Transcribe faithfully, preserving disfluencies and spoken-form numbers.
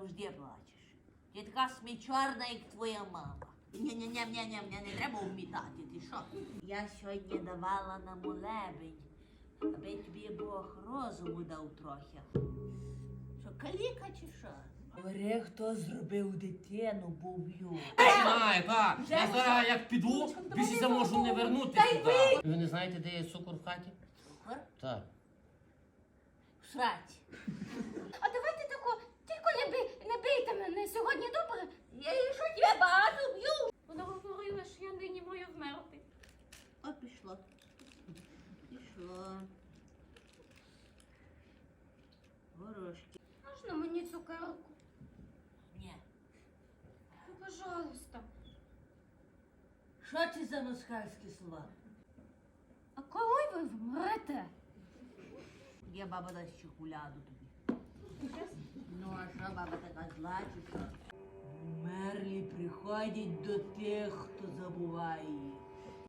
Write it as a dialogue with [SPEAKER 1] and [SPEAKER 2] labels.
[SPEAKER 1] завжди плачеш. Ти така смічорна, як твоя мама. Ні-ні-ні-ні-ні, не треба вмітати, ти що? Я сьогодні давала на молебень, аби тобі Бог розуму дав трохи. Що, каліка чи що? Говори, хто зробив дитину, буб'ю.
[SPEAKER 2] Знаю, так. Я зараз як піду, більше можу не вернути сюди. Ви не знаєте, де є цукор в хаті?
[SPEAKER 1] Цукор?
[SPEAKER 2] Так.
[SPEAKER 1] В сраці.
[SPEAKER 3] А давайте тако, тільки не, бий, не бийте мене сьогодні, добре?
[SPEAKER 1] Я її що тебе багато б'ю?
[SPEAKER 3] Вона говорила, що я нині маю вмерти.
[SPEAKER 1] О, пішло. Пішло. Горошки.
[SPEAKER 3] Можна мені цукерку?
[SPEAKER 1] Ні.
[SPEAKER 3] Ну, пожалуйста.
[SPEAKER 1] Що це за москальські слова?
[SPEAKER 3] А коли ви вмрете?
[SPEAKER 1] Я баба дасть чоколяду тобі. Ну, а що баба така зла чи що? Мерлі приходять до тих, хто забуває їх.